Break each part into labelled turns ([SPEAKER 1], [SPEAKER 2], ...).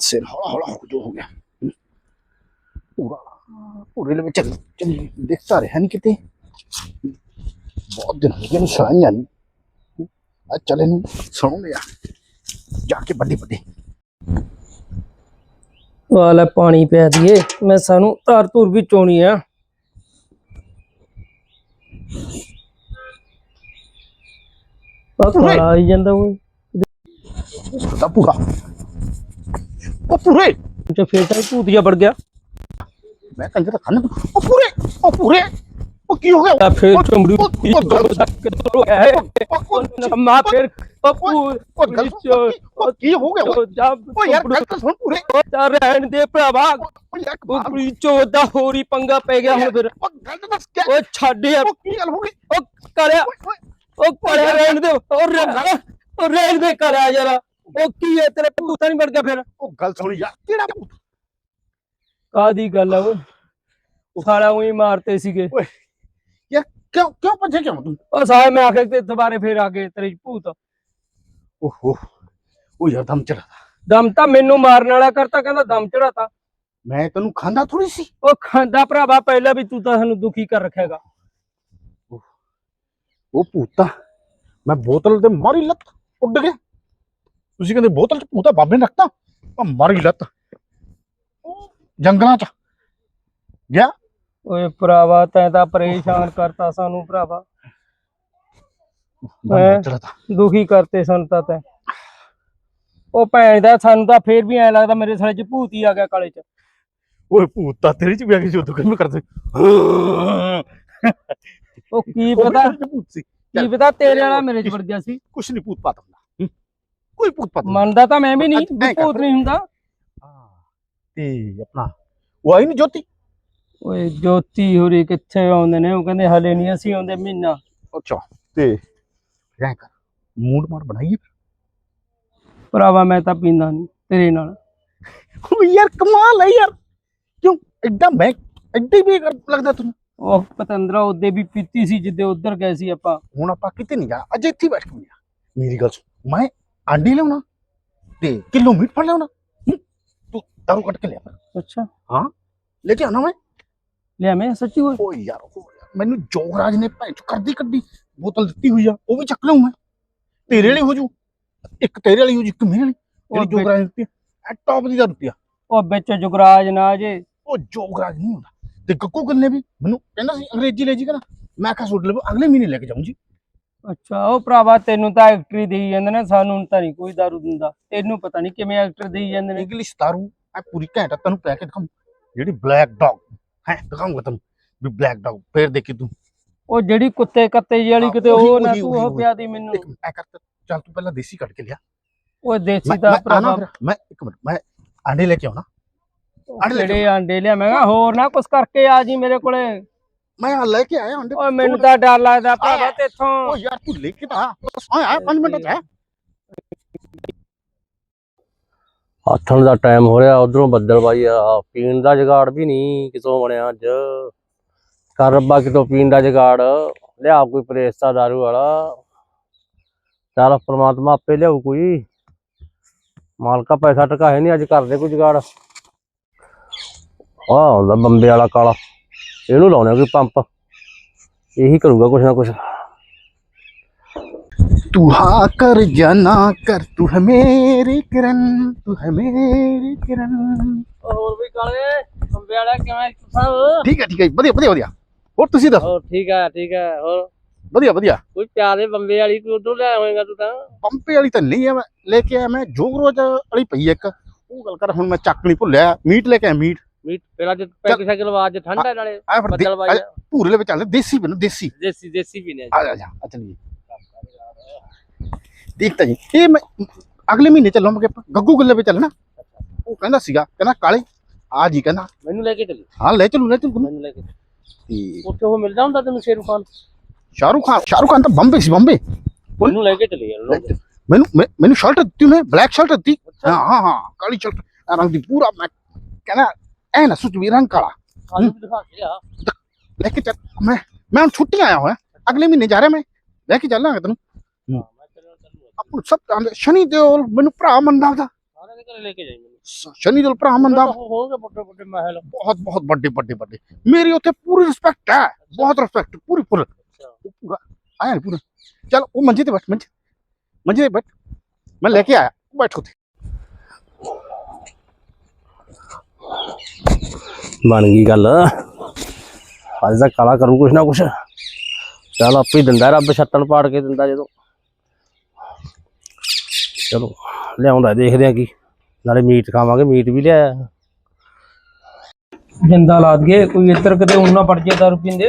[SPEAKER 1] सिर हौला हौला जो हो गया पूरा पूरे में चल चल देखता रहा नहीं कितने बहुत दिन हो गए सुनाइया नहीं आज चले नहीं सुनूंगे यार जाके बड़ी बड़ी
[SPEAKER 2] वाला पानी पै दिए मैं सानू तार तूर भी चोनी है काला आई जांदा
[SPEAKER 1] पूरा ओ पूरे
[SPEAKER 2] जो फेटा भूतिया बढ़ गया
[SPEAKER 1] मैं कंजर तो खाने ओ पूरे ओ की हो गया
[SPEAKER 2] फिर चमड़ी मां फिर
[SPEAKER 1] ओ की हो गया ओ यार गलत सुन पूरे
[SPEAKER 2] चार रहन दे भरावा ओ पूरी चोदा होरी पंगा पै गया हुन फिर
[SPEAKER 1] ओ गलत बस क्या
[SPEAKER 2] ओ छाड़ यार
[SPEAKER 1] ओ की गल हो गई
[SPEAKER 2] ओ करया रहन दे और रहन दे करया जरा ओ की है तेरे भूता नहीं बढ़ गया फिर
[SPEAKER 1] ओ गल सुन यार केड़ा भूत
[SPEAKER 2] कादी गल है वो साला वही मारते सीगे
[SPEAKER 1] यार क्यों क्यों पछे क्यों तू
[SPEAKER 2] ओ साहब मैं आके ते दोबारा फिर आगे तेरे भूत
[SPEAKER 1] ओहो ओ यार दम चढ़ा
[SPEAKER 2] दम ਤਾਂ ਮੈਨੂੰ ਮਾਰਨ ਵਾਲਾ ਕਰਤਾ ਕਹਿੰਦਾ ਦਮ ਚੜਾਤਾ
[SPEAKER 1] मैं तेनू खांदा थोड़ी सी
[SPEAKER 2] ਉਹ ਖਾਂਦਾ ਭਰਾਵਾ ਪਹਿਲਾਂ ਵੀ ਤੂੰ ਤਾਂ ਸਾਨੂੰ ਦੁਖੀ ਕਰ ਰੱਖੇਗਾ
[SPEAKER 1] ਉਹ ਭੂਤਾ ਮੈਂ ਬੋਤਲ ਤੇ ਮਾਰੀ ਲੱਤ ਉੱਡ ਗਿਆ ਤੁਸੀਂ ਕਹਿੰਦੇ ਬੋਤਲ ਚ ਭੂਤਾ ਬਾਬੇ ਨੇ ਰੱਖਤਾ ਮੈਂ ਮਾਰੀ ਲੱਤ ਜੰਗਲਾਂ ਚ ਗਿਆ
[SPEAKER 2] ਓਏ ਭਰਾਵਾ ਤੈਂ ਤਾਂ ਪਰੇਸ਼ਾਨ ਕਰਤਾ ਸਾਨੂੰ ਭਰਾਵਾ ਦੁਖੀ ਕਰਤੇ ਸਾਨੂੰ ਤਾਂ ਤੈਂ ਉਹ ਭੈਣ ਦਾ ਸਾਨੂੰ ਤਾਂ ਫੇਰ ਵੀ ਐ ਲੱਗਦਾ ਮੇਰੇ ਸਾਲੇ ਚ ਭੂਤ ਹੀ ਆ ਗਿਆ ਕਾਲੇ ਚ
[SPEAKER 1] ਓਏ ਭੂਤਾ ਤੇਰੇ ਚ ਵੀ ਆ ਕੇ ਜੋ ਦੁੱਖ ਮੈਂ ਕਰਦੇ
[SPEAKER 2] ਉਹ ਕੀ ਪਤਾ ਤੇਰੇ ਵਾਲਾ ਮੇਰੇ ਚ ਵੜ ਗਿਆ ਸੀ
[SPEAKER 1] ਕੁਛ ਨਹੀਂ ਭੂਤ ਪਾਤ ਹੁੰਦਾ ਕੋਈ ਭੂਤ ਪਾਤ
[SPEAKER 2] ਮੰਨਦਾ ਤਾਂ ਮੈਂ ਵੀ ਨਹੀਂ ਭੂਤ ਨਹੀਂ ਹੁੰਦਾ
[SPEAKER 1] ਤੇ ਆਪਣਾ ਉਹ ਆਈ ਨਹੀਂ ਜੋਤੀ
[SPEAKER 2] ਓਏ ਜੋਤੀ ਹੋਰੀ ਕਿੱਥੇ ਆਉਂਦੇ ਨੇ ਉਹ ਕਹਿੰਦੇ ਹਲੇ ਨਹੀਂ ਅਸੀਂ ਆਉਂਦੇ ਮਹੀਨਾ
[SPEAKER 1] ਅੱਛਾ ਤੇ ਰਹਿ ਕਰ ਮੂਡ ਮਾਰ ਬਣਾਈਏ
[SPEAKER 2] ਭਰਾਵਾ ਮੈਂ ਤਾਂ ਪੀਂਦਾ ਨਹੀਂ ਤੇਰੇ ਨਾਲ
[SPEAKER 1] ਓ ਯਾਰ ਕਮਾਲ ਹੈ ਯਾਰ ਕਿਉਂ ਐਡਾ ਮੈਂ ਐਡੀ ਵੀ ਲੱਗਦਾ ਤੈਨੂੰ
[SPEAKER 2] ਉਹ ਪਤੰਦਰਾ ਉਹਦੇ ਵੀ ਪੀਤੀ ਸੀ ਜਿੱਦੇ ਉਧਰ ਗਏ ਸੀ ਆਪਾਂ
[SPEAKER 1] ਹੁਣ ਆਪਾਂ ਕਿਤੇ ਨਹੀਂ ਜਾ ਅਜੇ ਇੱਥੇ ਬੈਠ ਕੇ ਮੇਰੀ ਗੱਲ ਸੁਣ ਮੈਂ ਆਂਡੀ ਲਿਆਉਣਾ ਤੇ ਕਿਲੋ ਮੀਟ ਫੜ ਲਿਆਉਣਾ ਤੂੰ ਦਾਰੂ ਕੱਟ ਕੇ ਲਿਆ
[SPEAKER 2] ਅੱਛਾ
[SPEAKER 1] ਹਾਂ ਲੈ ਕੇ ਆਉਣਾ ਮੈਂ
[SPEAKER 2] ਲਿਆ ਮੈਂ ਸੱਚੀ
[SPEAKER 1] ਓ ਯਾਰ ਮੈਨੂੰ ਜੋਗਰਾਜ ਨੇ ਭੈਣ ਚ ਕਰਦੀ ਕੱਢੀ ਬੋਤਲ ਦਿੱਤੀ ਹੋਈ ਆ ਉਹ ਵੀ ਚੱਕ ਲਿਆਉਂ ਮੈਂ ਤੇਰੇ ਵਾਲੀ ਹੋ ਜੂ ਇੱਕ ਤੇਰੇ ਵਾਲੀ ਹੋ ਜੂ ਇੱਕ ਮੇਰੇ ਵਾਲੀ ਜਿਹੜੀ ਜੋਗਰਾਜ ਦਿੱਤੀ ਆ ਟੌਪ ਦੀ ਦਾ ਰੁਪਿਆ
[SPEAKER 2] ਉਹ ਵਿੱਚ ਜੁਗਰਾਜ ਨਾ ਜੇ
[SPEAKER 1] ਉਹ ਜੋਗਰਾਜ ਨਹੀਂ ਹੁੰਦਾ ਤੇ ਗੱਗੂ ਗੱਲ ਨੇ ਵੀ ਮੈਨੂੰ ਕਹਿੰਦਾ ਸੀ ਅੰਗਰੇਜ਼ੀ ਲੈ ਜੀ ਕਹਿੰਦਾ ਮੈਂ ਕਿਹਾ ਸੁੱਟ ਲਵੋ ਅਗਲੇ ਮਹੀਨੇ ਲੈ ਕੇ ਜਾਊਂ ਜੀ
[SPEAKER 2] ਅੱਛਾ ਉਹ ਭਰਾਵਾ ਤੈਨੂੰ ਤਾਂ ਐਕਟਰੀ ਦੇਈ ਜਾਂਦੇ ਨੇ ਸਾਨੂੰ ਤਾਂ ਨਹੀਂ ਕੋਈ ਦਾਰੂ ਦਿੰਦਾ ਤੈਨੂੰ ਪਤਾ ਨਹੀਂ ਕਿਵੇਂ ਐਕਟਰ ਦੇਈ ਜਾਂਦੇ ਨੇ
[SPEAKER 1] ਇੰਗਲਿਸ਼ ਦਾਰੂ ਆ ਪੂਰੀ ਘੈਂਟ ਤੈਨੂੰ ਪੈ ਕੇ ਦਿਖਾਉਂ ਜਿਹੜੀ ਬਲੈਕ ਡੌਗ ਹੈ ਦਿਖਾਉਂਗਾ ਤੈਨੂੰ ਵੀ ਬਲੈਕ ਡੌਗ ਫੇਰ ਦੇਖੀ ਤੂੰ
[SPEAKER 2] ਉਹ ਜਿਹੜੀ ਕੁੱਤੇ ਕੱਤੇ ਜਿਹੀ ਵਾਲੀ ਕਿਤੇ ਉਹ ਨਾ ਤੂੰ ਉਹ ਪਿਆ ਦੀ ਮੈਨੂੰ
[SPEAKER 1] ਐ ਕਰ ਚੱਲ ਤੂੰ ਪਹਿਲਾਂ ਦੇਸੀ ਕੱਢ ਕੇ ਲਿਆ
[SPEAKER 2] ਉਹ ਦੇਸੀ ਦਾ ਭਰਾਵਾ
[SPEAKER 1] ਮੈਂ ਇੱਕ ਮਿੰਟ ਮੈਂ ਆਂਡੇ ਲੈ ਕੇ ਆਉਣਾ
[SPEAKER 2] ਜਿਹੜੇ ਆਂਡੇ ਲਿਆ ਮੈਂ ਹੋਰ ਨਾ ਕੁਛ ਕਰਕੇ ਆ ਜੀ ਮੇਰੇ ਕੋਲੇ
[SPEAKER 1] ਮੈਂ ਆ ਲੈ ਕੇ ਆਇਆ ਆਂਡੇ
[SPEAKER 2] ਓਏ ਮੈਨੂੰ ਤਾਂ ਡਰ ਲੱਗਦਾ ਭਰਾਵਾ ਤੇਥੋਂ
[SPEAKER 1] ਓ ਯਾਰ ਤੂੰ ਲੈ ਕੇ ਤਾਂ ਆ 5 ਮਿੰਟ ਚ
[SPEAKER 3] ਆਥਣ ਦਾ ਟਾਈਮ ਹੋ ਰਿਹਾ ਉਧਰੋਂ ਬੱਦਲ ਬਾਈ ਆ ਪੀਣ ਦਾ ਜੁਗਾੜ ਵੀ ਨਹੀਂ ਕਿਤੋਂ ਬਣਿਆ ਅੱਜ ਕਰ ਰੱਬਾ ਕਿਤੋਂ ਪੀਣ ਦਾ ਜੁਗਾੜ ਲਿਆ ਕੋਈ ਪ੍ਰੇਸਤਾ ਦਾਰੂ ਵਾਲਾ ਚੱਲ ਪ੍ਰਮਾਤਮਾ ਆਪੇ ਲਿਆਊ ਕੋਈ ਮਾਲਕਾ ਪੈਸਾ ਟਕਾ ਹੈ ਨਹੀਂ ਅੱਜ ਕਰਦੇ ਕੋਈ ਜੁਗਾੜ ਆਹ ਹੁੰਦਾ ਬੰਬੇ ਵਾਲਾ ਕਾਲਾ ਇਹਨੂੰ ਲਾਉਣਾ ਕੋਈ ਪੰਪ ਇਹੀ ਕਰੂਗਾ ਕੁਛ ਨਾ ਕੁਛ
[SPEAKER 1] तू हाँ कर या ना कर तू है मेरी किरण तू है मेरी किरण
[SPEAKER 2] ਹੋਰ ਵੀ ਕਾਲੇ ਬੰਬੇ ਵਾਲਾ ਕਿਵੇਂ ਤੁਸੀਂ
[SPEAKER 1] ठीक है ਵਧੀਆ ਹੋਰ ਤੁਸੀਂ ਦੱਸੋ
[SPEAKER 2] ਹੋਰ ਠੀਕ ਹੈ ਹੋਰ
[SPEAKER 1] ਵਧੀਆ
[SPEAKER 2] ਕੋਈ ਪਿਆਰੇ ਬੰਬੇ ਵਾਲੀ ਤੂੰ ਉਧਰੋਂ ਲੈ ਆਵੇਂਗਾ ਤੂੰ ਤਾਂ
[SPEAKER 1] ਪੰਪੇ ਵਾਲੀ ਤਾਂ ਨਹੀਂ ਆ ਮੈਂ ਲੈ ਕੇ ਆਇਆ ਮੈਂ ਜੋਗਰੋਜ ਵਾਲੀ ਪਈ ਇੱਕ ਉਹ ਗੱਲ ਕਰ ਹੁਣ ਮੈਂ ਚੱਕ ਨਹੀਂ ਭੁੱਲਿਆ ਮੀਟ ਲੈ ਕੇ ਆਇਆ ਮੀਟ
[SPEAKER 2] ਫਿਰ ਅੱਜ ਪੈਕ ਸਾਈਕਲ ਆਵਾਜ਼ ਠੰਡਾ ਨਾਲੇ
[SPEAKER 1] ਆ ਫਿਰ
[SPEAKER 2] ਬੱਦਲ ਬਾਈ
[SPEAKER 1] ਪੂਰੇ ਲੈ ਚੱਲ ਦੇਸੀ ਬਣ ਦੇਸੀ
[SPEAKER 2] ਪੀਨੇ
[SPEAKER 1] ਆ ਜਾ ਚਲੀਏ ਦੇਖਤਾ ਜੀ ਇਹ ਮੈਂ ਅਗਲੇ ਮਹੀਨੇ ਚੱਲਾਂਗੇ ਗੱਗੂ ਗੱਲੇ 'ਤੇ ਚੱਲਣਾ ਉਹ ਕਹਿੰਦਾ ਸੀਗਾ ਕਹਿੰਦਾ ਕਾਲੇ ਆ ਜੀ ਕਹਿੰਦਾ
[SPEAKER 2] ਮੈਨੂੰ ਲੈ ਕੇ ਚੱਲੀ
[SPEAKER 1] ਹਾਂ ਲੈ ਚੱਲੂ
[SPEAKER 2] ਮੈਨੂੰ ਲੈ ਕੇ ਤੇ ਉੱਥੇ ਉਹ ਮਿਲਦਾ ਹੁੰਦਾ ਤੈਨੂੰ
[SPEAKER 1] ਸ਼ਾਹਰੁਖ ਖਾਨ ਤਾਂ ਬੰਬੇ ਸੀ ਬੰਬੇ
[SPEAKER 2] ਮੈਨੂੰ ਲੈ ਕੇ ਚੱਲੀ ਯਾਰ
[SPEAKER 1] ਮੈਨੂੰ ਸ਼ਰਟ ਦਿੱਤੀ ਉਹਨੇ ਬਲੈਕ ਸ਼ਰਟ ਦਿੱਤੀ ਹਾਂ ਕਾਲੀ ਸ਼ਰਟ ਰੰਗ ਦੀ ਪੂਰਾ ਮੈਂ ਕਹਿੰਦਾ ਐ ਨਾ ਸੁੱਚ ਵੀ ਰੰਗ ਕਾਲਾ
[SPEAKER 2] ਦਿਖਾ ਕੇ ਆ
[SPEAKER 1] ਲੈ ਕੇ ਚੱਲ ਮੈਂ ਹੁਣ ਛੁੱਟੀ ਆਇਆ ਹੋਇਆ ਅਗਲੇ ਮਹੀਨੇ ਜਾ ਰਿਹਾ ਮੈਂ ਲੈ ਕੇ ਚੱਲਾਂਗਾ ਤੈਨੂੰ ਆਪਾਂ ਸਭ ਸ਼ਨੀ ਦਿਓਲ ਮੈਨੂੰ ਭਰਾ ਮੰਨਦਾ ਉਹਦਾ
[SPEAKER 2] ਸਾਰਿਆਂ ਦੇ ਘਰੇ ਲੈ ਕੇ ਜਾਈ ਮੈਨੂੰ
[SPEAKER 1] शनि दल भरा बंदा
[SPEAKER 3] ਹੋਣਗੇ ਵੱਡੇ ਵੱਡੇ ਮਹਿਲ
[SPEAKER 1] बहुत बहुत बड़े बड़े बड़े मेरी उत्थे पूरी रिस्पेक्ट है बहुत रिस्पेक्ट पूरी पूरा पूरा आया नहीं पूरा चल वो मंजे ते बैठ मंजे ते बैठ मैं लेके आया बैठो थे
[SPEAKER 3] ਬਣ ਗਈ ਗੱਲ ਅੱਜ ਦਾ ਕਾਲਾ ਕਰੂ ਕੁਛ ਨਾ ਕੁਛ ਚੱਲ ਆਪੇ ਹੀ ਦਿੰਦਾ ਰੱਬ ਛੱਤਣ ਪਾੜ ਕੇ ਦਿੰਦਾ ਜਦੋਂ ਚਲੋ ਲਿਆਉਂਦਾ ਦੇਖਦੇ ਆ ਕੀ ਨਾਲੇ ਮੀਟ ਖਾਵਾਂਗੇ ਮੀਟ ਵੀ ਲਿਆਇਆ
[SPEAKER 2] ਜਿੰਦਾ ਲਾ ਦਈਏ ਕੋਈ ਇੱਧਰ ਕਿਤੇ ਹੁਣ ਨਾ ਪੜ ਜੇ ਦਾਰੂ ਪੀਂਦੇ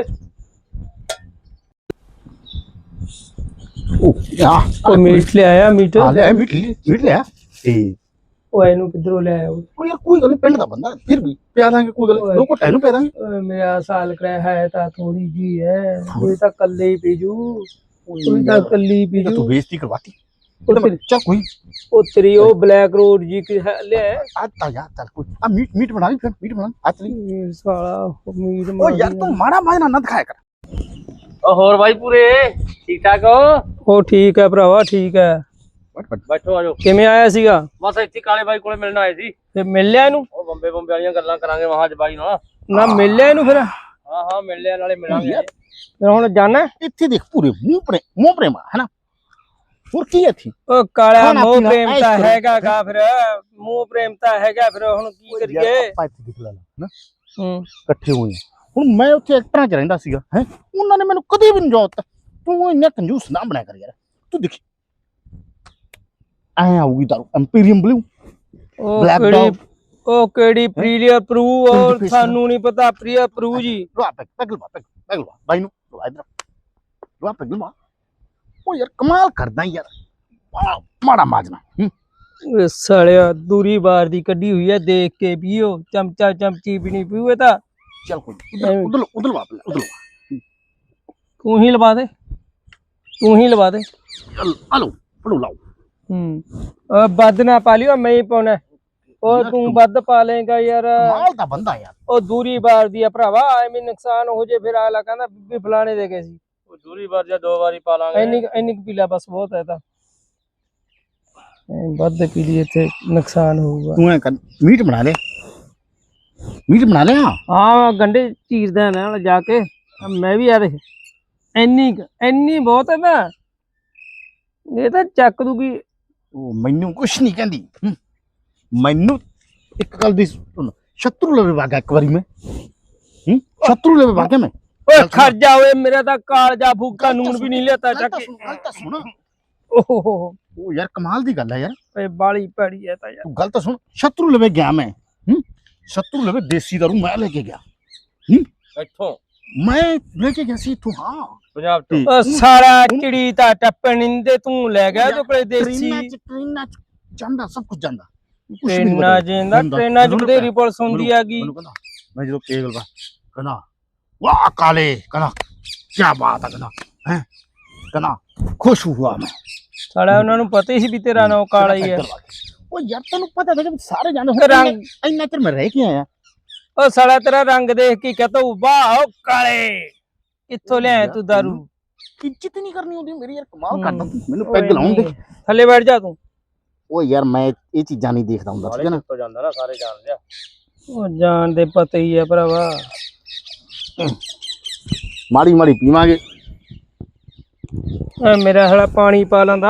[SPEAKER 1] ओ यार
[SPEAKER 2] ਕੋਈ ਮੀਟ ਲਿਆਇਆ ਮੀਟ
[SPEAKER 1] आ ले मीट ले ए
[SPEAKER 2] ਉਹ ਇਹਨੂੰ ਕਿੱਧਰੋਂ ਲਿਆਇਆ ਉਹ
[SPEAKER 1] ओ यार कोई गल नहीं पिंड दा बंदा फिर भी पिया दांगे कोई गल दो को टैनू पिया दांगे
[SPEAKER 2] ਓਏ ਮੇਰਾ ਸਾਲ ਕਰਾਇਆ ਹੈ ਤਾਂ ਥੋੜੀ ਜੀ ਹੈ ਇਹ ਤਾਂ ਕੱਲੇ ਹੀ ਪੀਜੂ ਉਹ ਤਾਂ ਕੱਲੀ
[SPEAKER 1] तो
[SPEAKER 2] ਪੀਜੂ
[SPEAKER 1] तू बेइज्जती करवाती
[SPEAKER 2] ਉਹ ਤੇਰੀ-
[SPEAKER 1] चल कोई
[SPEAKER 2] ਉਹ ਤੇਰੀ ਉਹ ਬਲੈਕ ਰੋਡ ਜੀ ਕਿ ਲਿਆ
[SPEAKER 1] आज ता यार चल कोई आ मीट बना ली फिर मीट बना आज चली
[SPEAKER 2] ਸਾਲਾ ਮੀਟ
[SPEAKER 1] ओ यार तू माड़ा माजना ना दिखाया कर
[SPEAKER 3] ਓ ਹੋਰ ਬਾਈ ਪੂਰੇ ਠੀਕ ਠਾਕ ਹੋ
[SPEAKER 2] ਉਹ ਠੀਕ ਹੈ ਭਰਾਵਾ ਠੀਕ ਹੈ
[SPEAKER 1] बैठ
[SPEAKER 3] ਬੈਠੋ ਆਜੋ
[SPEAKER 2] ਕਿਵੇਂ ਆਇਆ ਸੀਗਾ
[SPEAKER 3] ਬਸ ਇੱਥੇ ਕਾਲੇ ਬਾਈ ਕੋਲੇ ਮਿਲਣ ਆਏ ਸੀ
[SPEAKER 2] ਤੇ ਮਿਲ ਲਿਆ ਇਹਨੂੰ
[SPEAKER 3] ਉਹ ਬੰਬੇ ਵਾਲੀਆਂ ਗੱਲਾਂ ਕਰਾਂਗੇ ਮਹਾਜ ਬਾਈ ਨਾਲ
[SPEAKER 2] ਨਾ ਮਿਲ ਲਿਆ ਇਹਨੂੰ ਫਿਰ
[SPEAKER 3] ਹਾਂ ਮਿਲ ਲਿਆ ਨਾਲੇ ਮਿਲਾਂਗੇ
[SPEAKER 2] ਫਿਰ ਹੁਣ ਜਾਣਾ
[SPEAKER 1] इत्थे देख पूरे मुंह प्रेम है ना और की है थी
[SPEAKER 2] ਉਹ ਕਾਲਾ
[SPEAKER 1] ਖਾਣਾ
[SPEAKER 2] ਮੋਹ
[SPEAKER 1] ਪੀਣਾ,
[SPEAKER 2] ਪ੍ਰੇਮ
[SPEAKER 1] ਐਸ਼
[SPEAKER 2] ਤਾਂ
[SPEAKER 1] ਕਰੋ।
[SPEAKER 2] ਹੈਗਾ ਗਾ ਫਿਰ ਮੋਹ ਪ੍ਰੇਮ ਤਾਂ ਹੈਗਾ ਫਿਰ ਹੁਣ ਕੀ ਕਰੀਏ
[SPEAKER 1] ਆਪਾਂ ਇੱਥੇ ਦਿਖ ਲੈਣਾ ਨਾ
[SPEAKER 2] ਹੂੰ
[SPEAKER 1] ਇਕੱਠੇ ਹੋਏ ਹਾਂ। ਹੁਣ ਮੈਂ ਉੱਥੇ ਐਕਟਰਾਂ 'ਚ ਰਹਿੰਦਾ ਸੀਗਾ ਹੈ ਉਹਨਾਂ ਨੇ ਮੈਨੂੰ ਕਦੇ ਵੀ ਨਹੀਂ ਜੋਤ ਤੂੰ ਇੰਨਾ ਕੰਜੂਸ ਨਾ ਬਣਿਆ ਕਰ ਯਾਰ ਤੂੰ ਦੇਖੀ ਐ ਆਊਗੀ ਦਾਰੂ ਐਮਪੀਰੀਅਮ ਬਲੂ
[SPEAKER 2] ਉਹ
[SPEAKER 1] Black
[SPEAKER 2] ਕਿਹੜੀ
[SPEAKER 1] dog।
[SPEAKER 2] ਉਹ ਕਿਹੜੀ ਪ੍ਰੀਲੀਅਰ ਪ੍ਰੂ ਉਹ
[SPEAKER 1] Indication।
[SPEAKER 2] ਸਾਨੂੰ ਨਹੀਂ ਪਤਾ ਪ੍ਰੀਆ ਪ੍ਰੂ ਜੀ
[SPEAKER 1] ਲਵਾ ਪੈਗਲਵਾ ਬਾਈ ਨੂੰ ਲਵਾ ਇਧਰ ਲਵਾ ਪੈਗਲਵਾ ਉਹ ਯਾਰ ਕਮਾਲ ਕਰਦਾ ਯਾਰ ਮਾੜਾ ਮਾਜਨਾ
[SPEAKER 2] ਇਹ ਸਾਲਿਆ ਦੂਰੀ ਬਾਰ ਦੀ ਕੱਢੀ ਹੋਈ ਹੈ ਦੇਖ ਕੇ ਪੀਓ ਚਮਚਾ ਚਮਚੀ ਵੀ ਨਹੀਂ ਪੀਵੇ ਤਾਂ
[SPEAKER 1] ਚੱਲ ਕੋਈ ਉਧਰ ਲਵਾ ਉਧਰ
[SPEAKER 2] ਤੂੰ ਹੀ ਲਵਾ ਦੇ ਤੂੰ ਹੀ ਲਵਾ ਦੇ
[SPEAKER 1] ਹਲੋ ਫੜੋ ਲਾਓ
[SPEAKER 2] ਉਹ ਵੱਧ ਨਾ ਪਾ ਲਿਓ ਮੈਂ ਹੀ ਪਾਉਣਾ ਉਹ ਤੂੰ ਵੱਧ ਪਾ ਲੇਗਾ ਯਾਰ
[SPEAKER 1] ਕਮਾਲ ਦਾ ਬੰਦਾ ਯਾਰ
[SPEAKER 2] ਉਹ ਦੂਰੀ ਬਾਰ ਦੀ ਆ ਭਰਾਵਾ ਐਵੇਂ ਨੁਕਸਾਨ ਹੋ ਜੇ ਫਿਰ ਆਲਾ ਕਹਿੰਦਾ ਬੀਬੀ ਫਲਾਣੇ ਦੇ ਗਏ ਸੀ
[SPEAKER 3] ਉਹ ਦੂਰੀ ਵਾਰ ਜਾਂ ਦੋ ਵਾਰੀ ਪਾ ਲਾਂਗੇ
[SPEAKER 2] ਇੰਨੀ ਕੁ ਪੀ ਲੈ ਬਸ ਬਹੁਤ ਹੈ ਤਾਂ ਵੱਧ ਪੀ ਲਈ ਇੱਥੇ ਨੁਕਸਾਨ ਹੋਊਗਾ
[SPEAKER 1] ਤੂੰ ਐ ਕਰ ਮੀਟ ਬਣਾ ਲਿਆ
[SPEAKER 2] ਹਾਂ ਗੰਡੇ ਚੀਰਦਾ ਨਾਲ ਜਾ ਕੇ ਮੈਂ ਵੀ ਯਾਰ ਇੰਨੀ ਬਹੁਤ ਹੈ ਨਾ ਇਹ ਤਾਂ ਚੱਕ ਦੂਗੀ
[SPEAKER 1] ਉਹ ਮੈਨੂੰ ਕੁਛ ਨਹੀਂ ਕਹਿੰਦੀ ਮੈਨੂੰ ਇੱਕ ਗੱਲ ਦੀ ਸੁਣ ਸ਼ਤਰੂ ਲਵੇ ਵਾਗਾ ਇੱਕ ਵਾਰੀ ਮੈਂ ਸ਼ਤਰੂ ਲਵੇ ਵਾਗਾ ਮੈਂ
[SPEAKER 2] ਓਏ ਖਰਜਾ ਓਏ ਮੇਰਾ ਤਾਂ ਕਾਲਜਾ ਫੂਕਾ ਨੂਨ ਵੀ ਨਹੀਂ ਲਿਆਤਾ ਚੱਕ ਕੇ
[SPEAKER 1] ਗੱਲ ਤਾਂ ਸੁਣ
[SPEAKER 2] ਓਹ
[SPEAKER 1] ਉਹ ਯਾਰ ਕਮਾਲ ਦੀ ਗੱਲ ਹੈ ਯਾਰ
[SPEAKER 2] ਓਏ ਬਾਲੀ ਭੈੜੀ ਹੈ ਤਾਂ ਯਾਰ
[SPEAKER 1] ਤੂੰ ਗੱਲ ਤਾਂ ਸੁਣ ਸ਼ਤਰੂ ਲਵੇ ਗਿਆ ਮੈਂ ਸ਼ਤਰੂ ਲਵੇ ਦੇਸੀ ਦਾਰੂ ਮੈਂ ਲੈ ਕੇ ਗਿਆ
[SPEAKER 3] ਇੱਥੋਂ
[SPEAKER 1] ਮੈਂ ਲੈ ਕੇ ਗਿਆ ਸੀ ਤੂੰ ਹਾਂ
[SPEAKER 3] ਪੰਜਾਬ ਤੋਂ
[SPEAKER 2] ਓ ਸਾਰਾ ਚਿੜੀ ਤਾਂ ਟੱਪਣ ਨਿੰਦੇ ਤੂੰ ਲੈ ਗਿਆ ਤੇ ਕੋਲੇ ਦੇਸੀ
[SPEAKER 1] ਟ੍ਰੇਨਾਂ ਚ ਜਾਂਦਾ ਸਭ ਕੁਝ ਜਾਂਦਾ
[SPEAKER 2] ਟ੍ਰੇਨਾਂ ਜਿੰਦਾ ਟ੍ਰੇਨਾਂ ਚ ਬਥੇਰੀ ਪੁਲਿਸ ਹੁੰਦੀ ਆਗੀ
[SPEAKER 1] ਮੈਨੂੰ ਕਹਿੰਦਾ ਮੈਂ ਜਦੋਂ ਕੇਗਲ ਵਾ ਕਹਿੰਦਾ ਵਾਹ ਕਾਲੇ ਕਹਿੰਦਾ ਕੀ ਬਾਤ ਹੈ ਕਹਿੰਦਾ ਖੁਸ਼ ਹੁਆ ਮੈਂ
[SPEAKER 2] ਸਾਲਾ ਉਹਨਾਂ ਨੂੰ ਪਤਾ ਹੀ ਸੀ ਵੀ ਤੇਰਾ ਨਾਂ ਕਾਲਾ ਹੀ ਹੈ
[SPEAKER 1] ਉਹ ਯਾਰ ਤੈਨੂੰ ਪਤਾ ਤਾਂ ਕਿ ਸਾਰੇ ਜਾਣਦੇ
[SPEAKER 2] ਤੇ ਰੰਗ
[SPEAKER 1] ਇੰਨਾ ਚਿਰ ਮੈਂ ਰਹਿ ਕੇ ਆਇਆ
[SPEAKER 2] ਓ ਸਾਲਾ ਤੇਰਾ ਰੰਗ ਦੇਖ ਕੇ ਕਹਤਾ ਵਾਹ ਓ ਕਾਲੇ ਕਿੱਥੋਂ ਲਿਆਇਆ ਤੂੰ ਦਾਰੂ
[SPEAKER 1] ਇੱਜ਼ਤ ਨਹੀਂ ਕਰਨੀ ਹੁੰਦੀ ਮੇਰੀ ਯਾਰ ਕਮਾਲ ਕਰਦਾ ਤੂੰ ਮੈਨੂੰ ਪੈਗ ਲਾਉਣ ਦੇ
[SPEAKER 2] ਥੱਲੇ ਬੈਠ ਜਾ ਤੂੰ
[SPEAKER 1] ਉਹ ਯਾਰ ਮੈਂ ਇਹ ਚੀਜ਼ਾਂ ਨਹੀਂ ਦੇਖਦਾ ਹੁੰਦਾ ਠੀਕ ਹੈ ਨਾ
[SPEAKER 3] ਤੋਂ ਜਾਂਦਾ ਨਾ ਸਾਰੇ ਜਾਣਦੇ ਆ
[SPEAKER 2] ਉਹ ਜਾਣ ਦੇ ਪਤਾ ਹੀ ਹੈ ਭਰਾਵਾ
[SPEAKER 1] ਮਾੜੀ ਮਾੜੀ ਪੀਵਾਂਗੇ
[SPEAKER 2] ਮੇਰਾ ਹਲਾ ਪਾਣੀ ਪਾ ਲੈਂਦਾ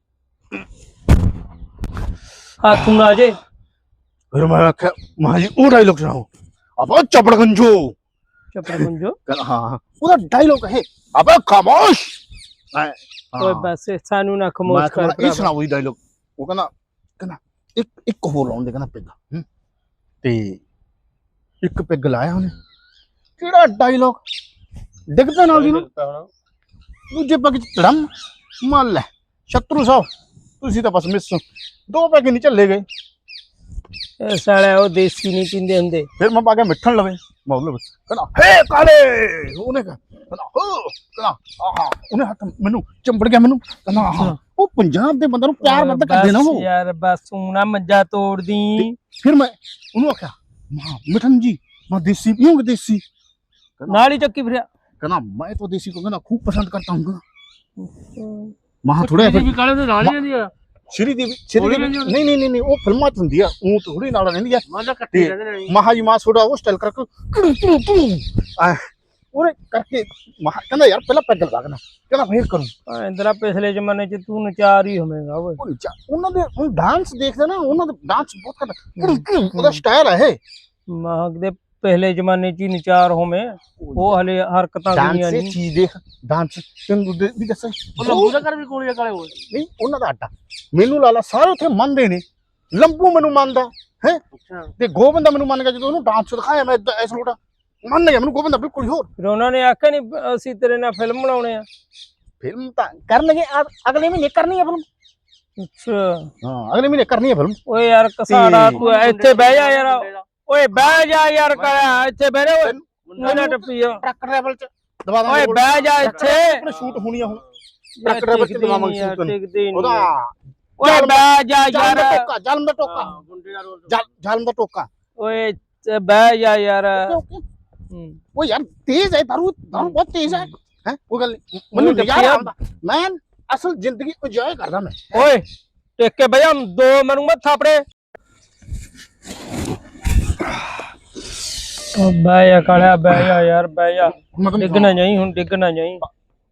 [SPEAKER 2] ਹੱਥ ਨਾ ਜੇ
[SPEAKER 1] ਫਿਰ ਮੈਂ ਆਖਿਆ ਮਾਂ ਜੀ ਉਹ ਡਾਇਲੋਗ ਸੁਣਾਓ ਅਬਾ ਚਪੜ ਗੰਜੋ
[SPEAKER 2] ਚੱਪੜ ਗੁੰਜੋ
[SPEAKER 1] ਹਾਂ ਉਹਦਾ ਡਾਇਲੋਗ ਹੈ ਅਬਾ ਖਾਮੋਸ਼
[SPEAKER 2] ਓਏ ਬਸ ਸਾਨੂੰ ਨਾ ਖਮੋਸ਼ ਕਰ
[SPEAKER 1] ਇਹ
[SPEAKER 2] ਭਰਾਵਾ
[SPEAKER 1] ਸੁਣਾਓ ਇਹ ਡਾਇਲੋਗ ਉਹ ਕਹਿੰਦਾ ਇੱਕ ਹੋਰ ਲਾਉਣ ਦੇ ਕਹਿੰਦਾ ਪਿੱਗ ਤੇ ਇੱਕ ਪਿੱਗ ਲਾਇਆ ਉਹਨੇ ਕਿਹੜਾ ਡਾਇਲੋਗ ਡਿੱਗਦਾ ਨਾਲ ਦੀ ਨੂੰ ਦੂਜੇ ਪੱਗ ਚ ਧੜਮ ਮੰਨ ਲੈ ਸ਼ਤਰੂ ਸਾਹਿਬ ਤੁਸੀਂ ਤਾਂ ਬਸ ਮਿਸ ਦੋ ਪੈਗ ਨਹੀਂ ਚੱਲੇ ਗਏ
[SPEAKER 2] ਇਹ ਸਾਲਾ ਉਹ ਦੇਸੀ ਨਹੀਂ ਪੀਂਦੇ ਹੁੰਦੇ
[SPEAKER 1] ਫਿਰ ਮੈਂ ਪਾ ਕੇ ਮਿੱਠਣ ਲਵੇ ਮੌਲ ਕਹਿੰਦਾ ਹੇ ਕਾਲੇ ਉਹਨੇ ਕਹਿੰਦਾ ਆਹਾ ਉਹਨੇ ਹੱਥ ਮੈਨੂੰ ਚੰਬੜ ਗਿਆ ਮੈਨੂੰ ਕਹਿੰਦਾ ਆਹਾ ਉਹ ਪੰਜਾਬ ਦੇ ਬੰਦੇ ਨੂੰ ਪਿਆਰ ਵੱਧ ਕਰਦੇ ਨਾ ਉਹ
[SPEAKER 2] ਯਾਰ ਬਸ ਤੂੰ ਨਾ ਮੰਜਾ ਤੋੜਦੀ
[SPEAKER 1] ਫਿਰ ਮੈਂ ਉਹਨੂੰ ਆਖਿਆ ਮਿਠਨ ਜੀ मैं देसी पीऊंगा देसी
[SPEAKER 2] नाली चक्की फिर
[SPEAKER 1] कहना मैं तो देसी को कहना खूब पसंद करता हूँ महा थोड़े
[SPEAKER 3] भी काले तो नाली दी
[SPEAKER 1] ਸ਼੍ਰੀ ਦੇਵੀ ਨਹੀਂ ਨਹੀਂ ਨਹੀਂ ਉਹ ਫਿਲਮਾਂ 'ਚ ਹੁੰਦੀ ਆ, ਉਹ ਥੋੜੀ ਨਾਲ ਰਹਿੰਦੀ ਆ।
[SPEAKER 3] ਮੈਂ ਤਾਂ ਇਕੱਠੇ ਰਹਿੰਦੇ ਨੇ
[SPEAKER 1] ਮਹਾ ਜੀ ਮਾਂ ਛੋੜਾ ਉਹ ਸਟਾਈਲ ਕਰਕੇ ਉਹਨੇ ਕਰਕੇ ਕਹਿੰਦਾ ਯਾਰ ਪਹਿਲਾਂ ਪੈਗ ਲਵਾ ਕੇ ਨਾ, ਕਹਿੰਦਾ ਫੇਰ ਕਰੂੰ।
[SPEAKER 2] ਇੰਦਰਾ ਪਿਛਲੇ ਜ਼ਮਾਨੇ ਚ ਤੂੰ ਨਚਾਰ ਹੀ ਹੋਵੇਂਗਾ ਓਏ।
[SPEAKER 1] ਉਹਨਾਂ ਦੇ ਡਾਂਸ ਦੇਖਦੇ ਨਾ, ਉਹਨਾਂ ਦਾ ਡਾਂਸ ਬਹੁਤ ਕਰਦਾ, ਉਹਦਾ ਸਟਾਈਲ ਹੈ ਇਹ।
[SPEAKER 2] ਮਾਹਕ ਦੇ ਪਹਿਲੇ ਜ਼ਮਾਨੇ ਚ ਹੀ ਨਚਾਰ ਹੋਵੇਂ, ਉਹ ਹਲੇ ਹਰਕਤਾਂ ਗਈਆਂ
[SPEAKER 1] ਡਾਂਸ
[SPEAKER 2] ਨਹੀਂ।
[SPEAKER 1] ਚੀਜ਼ ਦੇਖ, ਡਾਂਸ ਤੈਨੂੰ ਵੀ ਦੱਸਾਂ,
[SPEAKER 3] ਉਹ ਲੰਬੂ ਦਾ ਘਰ ਵੀ ਕੋਲੇ ਕਾਲੇ ਹੋਏ
[SPEAKER 1] ਨਹੀਂ ਉਹਨਾਂ ਦਾ ਅੱਡਾ ਮੈਨੂੰ ਲਾਲਾ ਸਾਰੇ ਉੱਥੇ ਮੰਨਦੇ ਨੇ। ਲੰਬੂ ਮੈਨੂੰ ਮੰਨਦਾ ਹੈ
[SPEAKER 3] ਅੱਛਾ
[SPEAKER 1] ਤੇ ਗੋਬਿੰਦਾ ਮੈਨੂੰ ਮੰਨ ਗਿਆ, ਜਦੋਂ ਉਹਨੂੰ ਡਾਂਸ ਦਿਖਾਇਆ ਮੈਂ ਐਸ ਲੋਟਾ ਮੰਨ ਗਿਆ ਮੈਨੂੰ ਗੋਬਿੰਦਾ ਬਿਲਕੁਲ ਹੀ ਹੋਰ।
[SPEAKER 2] ਫਿਰ ਉਹਨਾਂ ਨੇ ਆਖਿਆ ਨਹੀਂ ਅਸੀਂ ਤੇਰੇ ਨਾਲ ਫਿਲਮ ਬਣਾਉਣੇ ਆ।
[SPEAKER 1] ਫਿਲਮ ਤਾਂ ਕਰਨਗੇ ਅਗਲੇ ਮਹੀਨੇ ਕਰਨੀ ਹੈ ਫਿਲਮ।
[SPEAKER 2] ਅੱਛਾ
[SPEAKER 1] ਹਾਂ ਅਗਲੇ ਮਹੀਨੇ ਕਰਨੀ ਹੈ ਫਿਲਮ।
[SPEAKER 2] ਓਏ ਯਾਰ ਕਸਾੜਾ ਤੂੰ ਇੱਥੇ ਬਹਿ ਜਾ ਯਾਰ, ਓਏ ਬਹਿ ਜਾ ਯਾਰ, ਕਰਿਆ ਇੱਥੇ ਬਹਿ ਜਾ ਓਏ ਨਾ ਟੱਪੀ ਆ
[SPEAKER 1] ਟਰੱਕ ਟਰੈਵਲ ਚ ਦਵਾ ਦਾਂਗੇ।
[SPEAKER 2] ਓਏ ਬਹਿ ਜਾ ਇੱਥੇ,
[SPEAKER 1] ਆਪਣੇ ਸ਼ੂਟ ਹੋਣੀ ਆ ਹੁਣ ਟਰੱਕ ਟਰੈਵਲ ਚ ਦਵਾਵਾਂਗੇ ਸ਼ੂਟ ਉਹਦਾ।
[SPEAKER 2] ਓਏ ਬਹਿ ਜਾ
[SPEAKER 1] ਜਾਲਮ ਦਾ
[SPEAKER 2] ਯਾਰ,
[SPEAKER 1] ਟੋਕਾ, ਜਾਲਮ ਦਾ ਟੋਕਾ,
[SPEAKER 3] ਗੁੰਡੇ ਦਾ ਰੋਲ
[SPEAKER 1] ਜਾਲਮ ਦਾ ਟੋਕਾ।
[SPEAKER 2] ਓਏ ਬਹਿ ਜਾ ਯਾਰ।
[SPEAKER 1] ਉਹ ਯਾਰ ਤੇਜ਼ ਹੈ, ਦਾਰੂ ਬਹੁਤ ਤੇਜ਼ ਹੈ। ਹੈ ਉਹ ਗੱਲ ਨੀ। ਮੈਨੂੰ
[SPEAKER 2] ਉਹਨੂੰ
[SPEAKER 1] ਨਜ਼ਾਰਾ
[SPEAKER 2] ਦੱਸਿਆ।
[SPEAKER 1] ਆਉਂਦਾ, ਮੈਂ ਅਸਲ ਜ਼ਿੰਦਗੀ ਇੰਜੋਏ ਕਰਦਾ ਮੈਂ।
[SPEAKER 2] ਓਏ ਟਿਕ ਕੇ ਬਹਿ ਜਾ, ਦੋ ਮੈਨੂੰ ਮੱਥ ਥਾਪੜੇ। ਓ ਬਹਿ ਜਾ ਕਾਲਿਆ, ਬਹਿ ਜਾ ਯਾਰ, ਬਹਿ ਜਾ। ਡਿੱਗਣਾ ਨਹੀਂ ਹੁਣ, ਡਿੱਗਣਾ ਨਹੀਂ।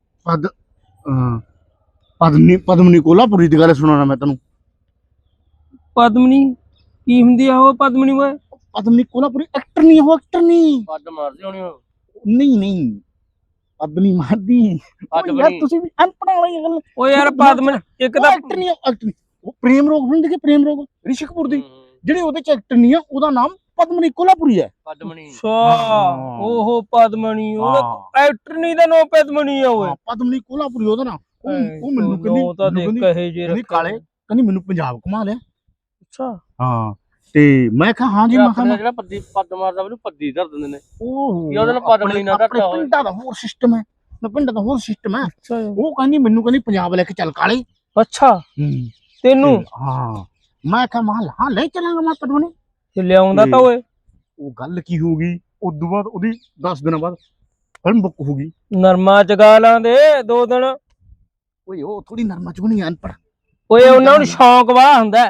[SPEAKER 1] ਪਦਮਨੀ ਕੋਲਾਪੁਰੀ ਦੀ ਗੱਲ ਸੁਣਾਉਣਾ ਮੈਂ ਤੈਨੂੰ।
[SPEAKER 2] ਪਦਮਨੀ ਕੀ ਹੁੰਦੀ ਆ ਉਹ ਪਦਮਨੀ ਓਏ?
[SPEAKER 1] ਪਦਮਨੀ ਕੋਲਾਪੁਰੀ ਐਕਟਰ ਨਹੀਂ, ਉਹ ਐਕਟਰ ਨਹੀਂ।
[SPEAKER 3] ਪੱਦ ਮਾਰਦੇ ਹੋਣੀ ਉਹ।
[SPEAKER 1] ਨਹੀਂ ਪਦਮਨੀ ਮਾਰਦੀ ਯਾਰ, ਤੁਸੀਂ ਵੀ ਅਨਪੜ੍ਹ ਵਾਲੀ ਗੱਲ।
[SPEAKER 2] ਓ ਯਾਰ ਪਦਮਨੀ ਇੱਕ ਤਾਂ
[SPEAKER 1] ਐਕਟਰ ਨਹੀਂ, ਐਕਟਰ ਨਹੀਂ। ਉਹ ਪ੍ਰੇਮ ਰੋਗ ਹੁੰਦੀ ਕਿ ਪ੍ਰੇਮ ਰੋਗ ਰਿਸ਼ੀ ਕਪੂਰ ਦੀ, ਜਿਹੜੇ ਉਹਦੇ ਚ ਐਕਟਰ ਨਹੀਂ ਆ, ਉਹਦਾ ਨਾਮ ਪਦਮਨੀ ਕੋਲਾਪੁਰੀ ਹੈ।
[SPEAKER 3] ਪਦਮਣੀ
[SPEAKER 2] ਓਹੋ ਪਦਮਨੀ, ਉਹਦਾ ਐਕਟਰ ਨਹੀਂ ਦਾ ਨੋ ਪਦਮਨੀ ਆ ਓਏ।
[SPEAKER 1] ਪਦਮਨੀ ਕੋਲਾਪੁਰੀ ਉਹਦਾ ਨਾਮ। ਉਹ ਮੈਨੂੰ
[SPEAKER 2] ਨੋ ਤਾਂ ਦੇਖ ਕਹੇ ਜੇ
[SPEAKER 1] ਕਹਿੰਦੀ ਕਾਲੇ, ਕਹਿੰਦੀ ਮੈਨੂੰ ਪੰਜਾਬ ਘੁਮਾ ਲਿਆ।
[SPEAKER 2] ਅੱਛਾ
[SPEAKER 1] ਹਾਂ ਤੇ ਮੈਂ ਕਿਹਾ ਹਾਂ ਜੀ। ਮੈਂ ਕਿਹਾ
[SPEAKER 3] ਜਿਹੜਾ ਪੱਦੀ ਪੱਦ ਮਾਰਦਾ ਉਹਨੂੰ ਪੱਦੀ ਧਰ ਦਿੰਦੇ ਨੇ।
[SPEAKER 1] ਉਹ
[SPEAKER 3] ਉਹਦੇ ਨਾਲ ਪਦਮਨੀ ਨਾ
[SPEAKER 1] ਆਪਣੇ
[SPEAKER 3] ਧਰਦਾ ਹੋਵੇ।
[SPEAKER 1] ਪਿੰਡਾਂ ਦਾ ਹੋਰ ਸਿਸਟਮ ਹੈ, ਪਿੰਡਾਂ ਦਾ ਹੋਰ ਸਿਸਟਮ ਹੈ।
[SPEAKER 2] ਅੱਛਾ
[SPEAKER 1] ਉਹ ਕਹਿੰਦੀ ਮੈਨੂੰ, ਕਹਿੰਦੀ ਪੰਜਾਬ ਲੈ ਕੇ ਚੱਲ ਕਾਲੇ।
[SPEAKER 2] ਅੱਛਾ ਤੈਨੂੰ?
[SPEAKER 1] ਹਾਂ ਮੈਂ ਕਿਹਾ ਹਾਂ ਲੈ ਚੱਲਾਂਗਾ ਮੈਂ ਪਦਮਨੀ।
[SPEAKER 2] ਤੇ ਲਿਆਉਂਦਾ ਤਾਂ ਓਏ।
[SPEAKER 1] ਉਹ ਗੱਲ ਕੀ ਹੋ ਗਈ, ਉਦੋਂ ਬਾਅਦ ਉਹਦੀ 10 ਦਿਨਾਂ ਬਾਅਦ ਫਿਲਮ ਬੁੱਕ ਹੋ ਗਈ।
[SPEAKER 2] ਨਰਮਾ ਚਗਾ ਲਾਂਦੇ 2 ਦਿਨ।
[SPEAKER 1] ਓਏ ਉਹ ਥੋੜੀ ਨਰਮਾ ਚ ਬਣੀ ਅਨਪੜ।
[SPEAKER 2] ਓਏ ਉਹਨਾਂ ਨੂੰ ਸ਼ੌਂਕ ਵਾਹ ਹੁੰਦਾ।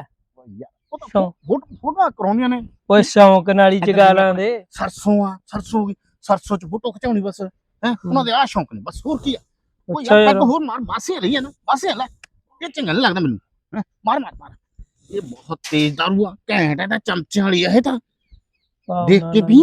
[SPEAKER 1] ਫੋਟੋ ਕਰਾਉਂਦੀਆਂ ਨੇ।
[SPEAKER 2] ਓਏ ਸ਼ੌਂਕ ਨਾਲ ਹੀ ਚਗਾ ਲਾਂਦੇ।
[SPEAKER 1] ਸਰਸੋਂ ਚ ਫੋਟੋ ਖਿਚਾਉਣੀ ਬਸ ਹੈ। ਉਹਨਾਂ ਦੇ ਆ ਸ਼ੌਂਕ ਨੇ ਬਸ, ਹੋਰ ਕੀ ਆ। ਉਹ
[SPEAKER 2] ਅੱਛਾ
[SPEAKER 1] ਯਾਰ
[SPEAKER 2] ਯਾਰ।
[SPEAKER 1] ਹੋਰ ਮਾਰ, ਬਾਸੇ ਰਹੀ ਹੈ ਨਾ, ਬਾਸੇ ਲੈ ਇਹ ਚੰਗਾ ਨਹੀਂ ਲੱਗਦਾ ਮੈਨੂੰ। ਮਾਰ ਮਾਰ ਮਾਰ, ਇਹ ਬਹੁਤ ਤੇਜ਼ ਦਾਰੂ ਆ, ਘੈਂਟ ਹੈ ਤਾਂ ਚਮਚਿਆਂ ਵਾਲੀ ਆ ਇਹ ਤਾਂ। ਦੇਖ ਕੇ ਵੀ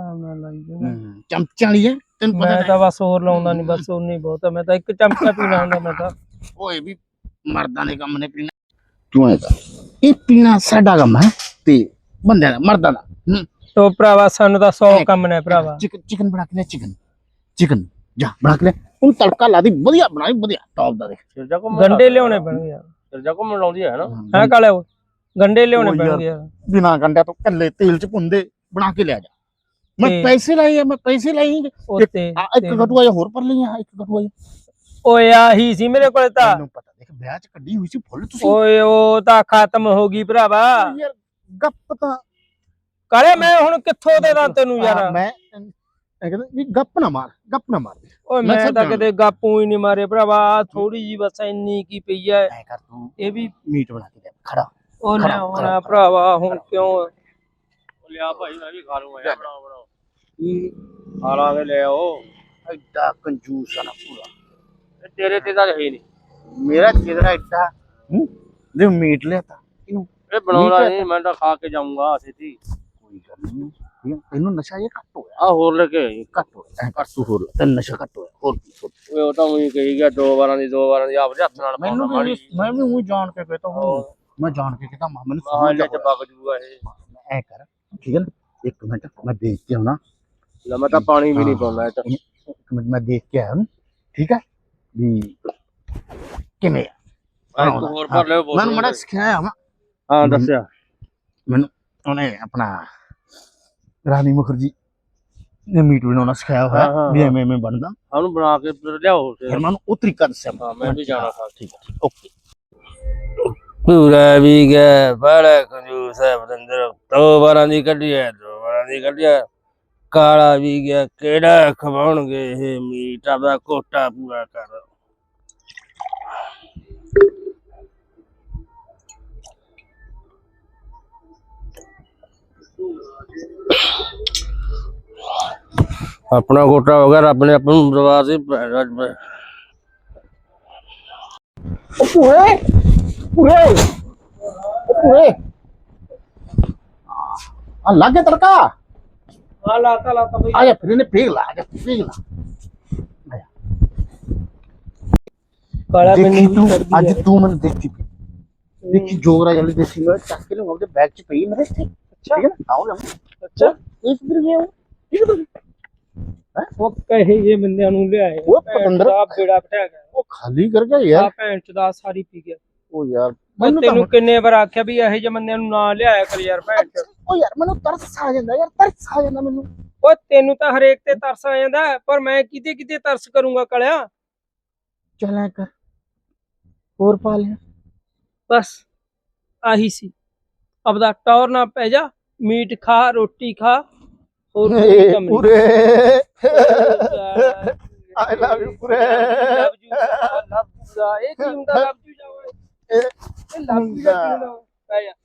[SPEAKER 1] ਚਮਚਿਆਂ ਵਾਲੀ ਹੈ, ਤੈਨੂੰ ਪਤਾ
[SPEAKER 2] ਮੈਂ ਤਾਂ ਬਸ ਹੋਰ ਲਾਉਂਦਾ ਨਹੀਂ, ਬਸ ਉਨੀ ਬਹੁਤ ਆ। ਮੈਂ ਤਾਂ ਇੱਕ ਚਮਚਾ ਪੀਣਾ ਹੁੰਦਾ ਮੈਂ ਤਾਂ।
[SPEAKER 1] ਓਏ ਵੀ ਮਰਦਾਂ ਦੇ ਕੰਮ ਨੇ ਪੀਣਾ। ਤੂੰ ਐ ਇਹ ਪੀਣਾ ਸਾਡਾ ਕੰਮ ਹੈ ਤੇ ਬੰਦਿਆਂ ਦਾ, ਮਰਦਾਂ ਦਾ।
[SPEAKER 2] ਤੋ ਭਰਾਵਾ ਸਾਨੂੰ ਤਾਂ 100 ਕੰਮ ਨੇ ਭਰਾਵਾ।
[SPEAKER 1] ਚਿਕਨ ਬਣਾ ਕੇ ਲੈ, ਚਿਕਨ ਜਾ ਬਣਾ ਕੇ ਲੈ। ਹੁਣ ਤੜਕਾ ਲਾ ਦੀ, ਵਧੀਆ ਬਣਾਈ, ਵਧੀਆ ਟੌਪ ਦਾ। ਦੇਖ
[SPEAKER 3] ਸਿਰਜਾ ਕੋ
[SPEAKER 2] ਗੰਡੇ ਲਿਆਉਣੇ ਪੈਣਗੇ ਯਾਰ।
[SPEAKER 3] ਸਿਰਜਾ ਕੋ ਮਲਾਉਂਦੀ ਹੈ ਨਾ।
[SPEAKER 2] ਹੈ ਕਾਲੇ ਓਏ, ਗੰਡੇ ਲਿਆਉਣੇ ਪੈਣਗੇ ਯਾਰ।
[SPEAKER 1] ਬਿਨਾ ਗੰਡਿਆਂ ਤੋਂ ਕੱਲੇ ਤੇਲ ਚ ਭੁੰਦੇ ਬਣਾ ਕੇ ਲਿਆ ਜਾ। ਮੈਂ ਪੈਸੇ ਲਾਏ ਆ, ਮੈਂ ਪੈਸੇ ਲਾਈ।
[SPEAKER 2] ਉੱਤੇ
[SPEAKER 1] ਇੱਕ ਕਟੂਆ ਜਾਂ ਹੋਰ ਪਰ ਲਈਆਂ, ਇੱਕ ਕਟੂਆ
[SPEAKER 2] ਓਏ ਆਹੀ ਸੀ ਮੇਰੇ ਕੋਲੇ ਤਾਂ।
[SPEAKER 1] ਮੈਨੂੰ ਪਤਾ, ਦੇਖ ਵਿਆਹ ਚ ਕੱਢੀ ਹੋਈ ਸੀ ਫੁੱਲ ਤੁਸੀਂ।
[SPEAKER 2] ਓਏ ਉਹ ਤਾਂ ਖਤਮ ਹੋ ਗਈ ਭਰਾਵਾ।
[SPEAKER 1] ਯਾਰ ਗੱਪ ਤਾਂ
[SPEAKER 2] ਕਾਲੇ ਮੈਂ ਹੁਣ ਕਿੱਥੋਂ ਦੇ ਦਾਂ ਤੈਨੂੰ ਯਾਰ।
[SPEAKER 1] ਮੈਂ ਕਹਿੰਦਾ ਵੀ ਗੱਪ ਨਾ ਮਾਰ
[SPEAKER 2] ਓਏ ਮੈਂ ਤਾਂ ਕਿਤੇ ਗਾਪੂ ਹੀ ਨਹੀਂ ਮਾਰੇ ਭਰਾਵਾ। ਥੋੜੀ ਜੀ ਬਸ ਇੰਨੀ ਕੀ ਪਈ ਐ।
[SPEAKER 1] ਐ ਕਰ ਤੂੰ
[SPEAKER 2] ਇਹ ਵੀ
[SPEAKER 1] ਮੀਟ ਬਣਾ ਕੇ ਦੇ ਖੜਾ।
[SPEAKER 2] ਉਹ ਲਿਆਉਣਾ ਭਰਾਵਾ ਹੁਣ ਕਿਉਂ।
[SPEAKER 3] ਲਿਆ ਭਾਈ ਮੈਂ ਵੀ ਖਾ ਲੂੰਗਾ ਯਾਰ, ਬਣਾਓ ਖਾ ਲਾਂਗੇ। ਲੈ ਆਓ।
[SPEAKER 1] ਐਡਾ ਕੰਜੂਸ ਆ ਨਾ ਪੂਰਾ।
[SPEAKER 3] ਤੇਰੇ ਤੇ ਤਾਂ ਹੈ ਨਹੀਂ।
[SPEAKER 1] ਮੇਰਾ ਚਿਹਰਾ ਐਡਾ ਦੇ ਮੀਟ ਲਿਆਤਾ ਇਹਨੂੰ।
[SPEAKER 3] ਇਹ ਬਣਾਉਣਾ ਨਹੀਂ, ਮੈਂ ਤਾਂ ਖਾ ਕੇ ਜਾਊਂਗਾ ਸਿੱਧੀ।
[SPEAKER 1] ਕੋਈ ਗੱਲ ਨਹੀਂ, ਇਹਨੂੰ ਨਸ਼ਾ ਇਹ ਘੱਟ ਹੋਇਆ।
[SPEAKER 3] ਆ ਹੋਰ ਲੈ ਕੇ ਆਈ।
[SPEAKER 1] ਘੱਟ ਹੋਇਆ, ਘੱਟ ਤੂੰ ਹੋਰ ਤੇ ਨਸ਼ਾ ਘੱਟ ਹੋਇਆ ਹੋਰ ਕੀ।
[SPEAKER 3] ਓਏ ਉਹ ਤਾਂ ਉਹੀ ਕਹੀ ਗਿਆ 2 ਵਾਰਾਂ ਦੀ ਆਪਦੇ ਹੱਥ ਨਾਲ
[SPEAKER 1] ਮੈਨੂੰ
[SPEAKER 3] ਪਾਉਣਾ।
[SPEAKER 1] ਮੈਂ ਵੀ ਉਹੀ ਜਾਣ ਕੇ ਕਹਤਾ ਹੂੰ। ਮੈਂ ਜਾਣ ਕੇ ਕਹਤਾ ਮੈਨੂੰ
[SPEAKER 3] ਸਮਝ ਲੈ ਚ ਬਗ ਜੂਗਾ ਇਹ।
[SPEAKER 1] ਐ ਕਰ ਠੀਕ ਹੈ ਨਾ, 1 ਮਿੰਟ ਮੈਂ ਦੇਖ ਕੇ ਆਉਣਾ।
[SPEAKER 3] ਲੈ ਮੈਂ ਤਾਂ ਪਾਣੀ ਵੀ ਨਹੀਂ ਪਾਉਂਦਾ।
[SPEAKER 1] 1 ਮਿੰਟ ਮੈਂ ਦੇਖ ਕੇ ਆਇਆ ਹੂੰ, ਠੀਕ ਹੈ ਵੀ ਕਿਵੇਂ ਆ।
[SPEAKER 3] ਇੱਕ ਹੋਰ ਭਰ ਲਿਓ ਬੋਤਲ।
[SPEAKER 1] ਮੈਨੂੰ ਮੜਾ ਸਿਖਾਇਆ ਵਾ।
[SPEAKER 3] ਹਾਂ ਦੱਸਿਆ
[SPEAKER 1] ਮੈਨੂੰ ਉਹਨੇ ਆਪਣਾ ਰਾਣੀ ਮੁਖਰਜੀ ਨੇ ਮੀਟ ਬਣਾਉਣਾ ਸਿਖਾਇਆ ਹੋਇਆ ਵੀ ਐਵੇਂ ਬਣਦਾ।
[SPEAKER 3] ਉਹਨੂੰ ਬਣਾ ਕੇ ਫਿਰ ਲਿਆਓ।
[SPEAKER 1] ਫਿਰ ਮੈਨੂੰ ਉਹ ਤਰੀਕਾ ਦੱਸਿਆ।
[SPEAKER 3] ਹਾਂ ਮੈਂ ਵੀ ਜਾਣਾ ਖਾ।
[SPEAKER 1] ਠੀਕ ਹੈ ਓਕੇ।
[SPEAKER 3] ਪੂਰਾ ਵੀ ਗਿਆ ਬੜਾ ਕੰਜੂਸ ਹੈ ਬਰਿੰਦਰ। 2 ਵਾਰਾਂ ਦੀ ਕੱਢੀ ਹੈ, 2 ਵਾਰਾਂ ਦੀ ਕੱਢੀ ਹੈ। ਕਾਲਾ ਵੀ ਗਿਆ, ਕਿਹੜਾ ਖਵਾਉਣਗੇ ਇਹ ਮੀਟ। ਆਪਦਾ ਕੋਟਾ ਪੂਰਾ ਕਰ। ਆਪਣਾ ਗੋਟਾ ਹੋ ਗਿਆ, ਰੱਬ ਨੇ ਆਪਾਂ ਨੂੰ ਬਰਬਾਦ ਹੀ
[SPEAKER 1] ਪੂਰੇ ਪੂਰੇ ਪੂਰੇ ਆ ਲੱਗ ਗਿਆ ਤੜਕਾ।
[SPEAKER 2] ਹਾਂ ਲਾਤਾ ਬਈ।
[SPEAKER 1] ਆ ਜਾ ਫਿਰ ਇਹਨੇ ਪੀਗ ਲਾ, ਆ ਜਾ ਪੀਗ ਲਾ।
[SPEAKER 2] ਕਾਲਾ
[SPEAKER 1] ਦੇਖੀ
[SPEAKER 2] ਮੈਨੂੰ
[SPEAKER 1] ਤੂੰ
[SPEAKER 2] ਵੀ ਕਰਦੀ
[SPEAKER 1] ਅੱਜ
[SPEAKER 2] ਹੈ।
[SPEAKER 1] ਤੂੰ ਮੈਨੂੰ ਦੇਖੀ ਪਈ। ਦੇਖੀ ਜੋਗਰਾ ਜਲਦੀ ਦੇਸੀ ਮੈਂ ਚੱਕ ਕੇ ਲਊਂਗਾ ਉਹਦੇ ਬੈਗ 'ਚ ਪਈ ਮੇਰੇ ਇੱਥੇ। ਠੀਕ ਹੈ ਨਾ ਆਓ ਲੈ
[SPEAKER 2] ਅੱਛਾ
[SPEAKER 1] ਇਸ ਦਰ ਗਿਆ
[SPEAKER 2] ਉਹ ਕਹੇ ਜੇ ਬੰਦਿਆਂ ਨੂੰ ਲਿਆਏ
[SPEAKER 1] ਉਹ ਪਤੰਦਰ
[SPEAKER 2] ਦਾ ਬੇੜਾ ਬਿਠਾ ਗਿਆ।
[SPEAKER 1] ਉਹ ਖਾਲੀ ਕਰ ਗਿਆ ਯਾਰ।
[SPEAKER 2] ਆ ਭੈਣ ਚ ਦਾ ਸਾਰੀ ਪੀ ਗਿਆ।
[SPEAKER 1] ਉਹ ਯਾਰ
[SPEAKER 2] ਮੈਂ
[SPEAKER 1] ਮੈਨੂੰ
[SPEAKER 2] ਤੈਨੂੰ ਕਿੰਨੇ ਵਾਰ ਆਖਿਆ ਵੀ ਇਹੋ ਜਿਹੇ ਬੰਦਿਆਂ ਨੂੰ ਨਾ ਲਿਆਇਆ ਕਰ ਯਾਰ ਭੈਣ ਚ।
[SPEAKER 1] ਉਹ ਯਾਰ ਮੈਨੂੰ ਤਰਸ ਆ ਜਾਂਦਾ ਯਾਰ, ਤਰਸ ਆ ਜਾਂਦਾ ਮੈਨੂੰ।
[SPEAKER 2] ਓਏ ਤੈਨੂੰ ਤਾਂ ਹਰੇਕ ਤੇ ਤਰਸ ਆ ਜਾਂਦਾ ਪਰ ਮੈਂ ਕਿਤੇ ਤਰਸ ਕਰੂੰਗਾ ਕਲਿਆ।
[SPEAKER 1] ਚੱਲ ਐ ਕਰ ਹੋਰ ਪਾ ਲਿਆ।
[SPEAKER 2] ਬਸ ਆਹੀ ਸੀ। ਆਪਦਾ ਟੌਰ ਨਾ ਪੈ ਜਾ, ਮੀਟ ਖਾ ਰੋਟੀ ਖਾ ਹੋਰ ਕੋਈ ਕੰਮ ਨਹੀਂ।
[SPEAKER 1] ਪੂਰੇ ਆਈ ਲਵ ਯੂ ਪੂਰੇ।
[SPEAKER 2] ਲਵ ਯੂ ਇਹ ਕੀ ਹੁੰਦਾ ਲਵ ਯੂ ਜਾਵੇ ਇਹ ਲਵ ਯੂ ਦਾ ਪੈ ਜਾ।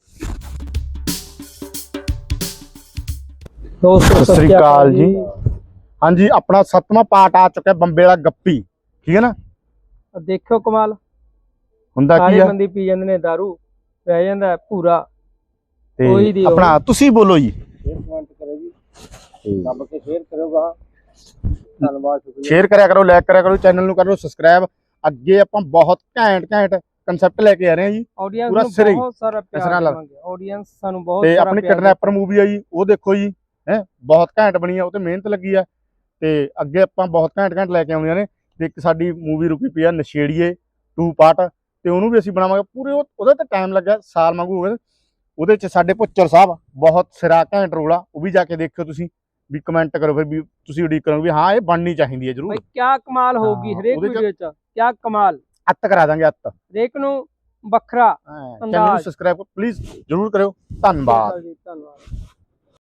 [SPEAKER 1] ਸਤਿ ਸ੍ਰੀ ਅਕਾਲ ਜੀ। ਹਾਂਜੀ ਆਪਣਾ 7ਵਾਂ ਪਾਰਟ ਆ ਚੁੱਕਿਆ ਬੰਬੇ ਵਾਲਾ ਗੱਪੀ। ਠੀਕ ਹੈ ਨਾ।
[SPEAKER 2] ਦੇਖਿਓ ਕਮਾਲ
[SPEAKER 1] ਹੁੰਦਾ ਕੀ
[SPEAKER 2] ਸਾਰੇ
[SPEAKER 1] ਆ
[SPEAKER 2] ਬੰਦੇ ਪੀ ਜਾਂਦੇ ਨੇ ਦਾਰੂ, ਰਹਿ ਜਾਂਦਾ ਪੂਰਾ।
[SPEAKER 1] ਤੇ
[SPEAKER 2] ਕੋਈ ਦੀ
[SPEAKER 1] ਆਪਣਾ ਤੁਸੀਂ ਬੋਲੋ ਜੀ।
[SPEAKER 2] ਕਮੈਂਟ ਕਰੋ ਜੀ, ਦੱਬ ਕੇ ਸ਼ੇਅਰ ਕਰਿਓਗਾ। ਧੰਨਵਾਦ ਸ਼ੁਕਰੀਆ।
[SPEAKER 1] ਸ਼ੇਅਰ ਕਰਿਆ ਕਰੋ, ਲਾਈਕ ਕਰਿਆ ਕਰੋ, ਚੈਨਲ ਨੂੰ ਕਰੋ ਸਬਸਕ੍ਰਾਈਬ। ਅੱਗੇ ਆਪਾਂ ਬਹੁਤ ਘੈਂਟ ਕਨਸੈਪਟ ਲੈ ਕੇ ਆ ਰਹੇ ਹਾਂ ਜੀ।
[SPEAKER 2] ਆਡੀਅנס
[SPEAKER 1] ਪੂਰਾ
[SPEAKER 2] ਨੂੰ
[SPEAKER 1] ਸਿਰੇ ਹੀ
[SPEAKER 2] ਬਹੁਤ ਸਾਰਾ
[SPEAKER 1] ਇਸ ਤਰ੍ਹਾਂ
[SPEAKER 2] ਪਿਆਰ
[SPEAKER 1] ਨਾਲ।
[SPEAKER 2] ਦੇਵਾਂਗੇ। ਆਡੀਅנס ਸਾਨੂੰ ਬਹੁਤ
[SPEAKER 1] ਤੇ
[SPEAKER 2] ਸਾਰਾ
[SPEAKER 1] ਆਪਣੀ
[SPEAKER 2] ਪਿਆਰ
[SPEAKER 1] ਕਿਡਨੈਪਰ ਮੂਵੀ ਆ ਜੀ, ਉਹ ਦੇਖੋ ਜੀ। ਹੈ ਬਹੁਤ ਘੈਂਟ ਬਣੀ ਆ, ਉਹ ਤੇ ਮਿਹਨਤ ਲੱਗੀ ਆ। ਤੇ ਅੱਗੇ ਆਪਾਂ ਬਹੁਤ ਘੈਂਟ ਲੈ ਕੇ ਆਉਂਦੀਆਂ ਨੇ। ਤੇ ਇੱਕ ਸਾਡੀ ਮੂਵੀ ਰੁਕੀ ਪਈ ਆ ਨਸ਼ੇੜੀਏ 2 ਪਾਰਟ, ਤੇ ਉਹਨੂੰ ਵੀ ਅਸੀਂ ਬਣਾਵਾਂਗੇ ਪੂਰੇ। ਉਹਦੇ ਤੇ ਟਾਈਮ ਲੱਗਾ ਸਾਲ ਵਾਂਗੂ ਹੋ ਗਿਆ। ਉਹਦੇ ਚ ਸਾਡੇ ਭੁੱਚਰ ਸਾਹਿਬ ਬਹੁਤ ਸਿਰਾ ਘੈਂਟ ਰੋਲ ਆ, ਉਹ ਵੀ ਜਾ ਕੇ ਦੇਖਿਓ ਤੁਸੀਂ। ਵੀ ਕਮੈਂਟ ਕਰੋ ਫਿਰ ਵੀ ਤੁਸੀਂ ਉਡੀਕ ਕਰੋ ਵੀ ਹਾਂ ਇਹ ਬਣਨੀ ਚਾਹੀਦੀ ਹੈ
[SPEAKER 2] ਭਾਈ।
[SPEAKER 1] ਜ਼ਰੂਰ।
[SPEAKER 2] ਕਿਆ ਕਮਾਲ ਹੋਊਗੀ ਹਰੇਕ
[SPEAKER 1] ਉਹਦੇ ਚ-
[SPEAKER 2] ਵੀਡੀਓ ਚ, ਕਿਆ ਕਮਾਲ।
[SPEAKER 1] ਅੱਤ ਕਰਾ ਦਾਂਗੇ ਅੱਤ।
[SPEAKER 2] ਹਰੇਕ ਨੂੰ ਵੱਖਰਾ
[SPEAKER 1] ਚੈਨਲ ਨੂੰ
[SPEAKER 2] ਅੰਦਾਜ਼।
[SPEAKER 1] ਸਬਸਕ੍ਰਾਈਬ ਪਲੀਜ਼ ਜ਼ਰੂਰ ਕਰਿਓ। ਧੰਨਵਾਦ।
[SPEAKER 2] ਧੰਨਵਾਦ।